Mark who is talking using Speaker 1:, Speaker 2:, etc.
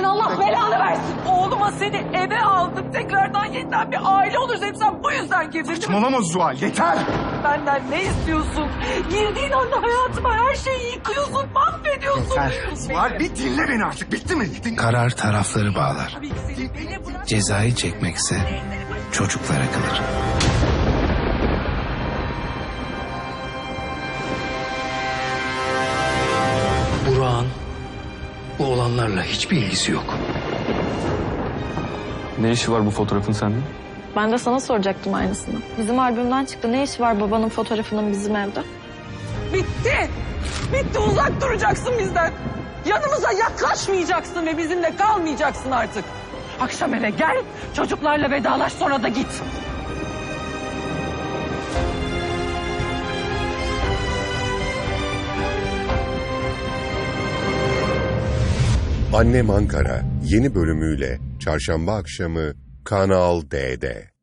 Speaker 1: Allah belanı versin. Oğluma seni eve aldık. Tekrardan yeniden bir aile oluruz. Hep sen bu yüzden girdin değil mi?
Speaker 2: Saçmalama Zuhal, yeter!
Speaker 1: Benden ne istiyorsun? Girdiğin anda hayatıma her şeyi yıkıyorsun, mahvediyorsun.
Speaker 2: Yeter. Zuhal bir dinle beni artık, bitti mi?
Speaker 3: Karar tarafları bağlar.
Speaker 1: Tabii ki seni beni bırak.
Speaker 3: Cezayı çekmekse çocuklara kalır.
Speaker 4: Burak'ın bu olanlarla hiçbir ilgisi yok.
Speaker 5: Ne işi var bu fotoğrafın sende?
Speaker 6: Ben de sana soracaktım aynısını. Bizim albümden çıktı. Ne işi var babanın fotoğrafının bizim evde?
Speaker 1: Bitti. Bitti, uzak duracaksın bizden. Yanımıza yaklaşmayacaksın ve bizimle kalmayacaksın artık. Akşam eve gel, çocuklarla vedalaş, sonra da git.
Speaker 7: Annem Ankara yeni bölümüyle çarşamba akşamı Kanal D'de.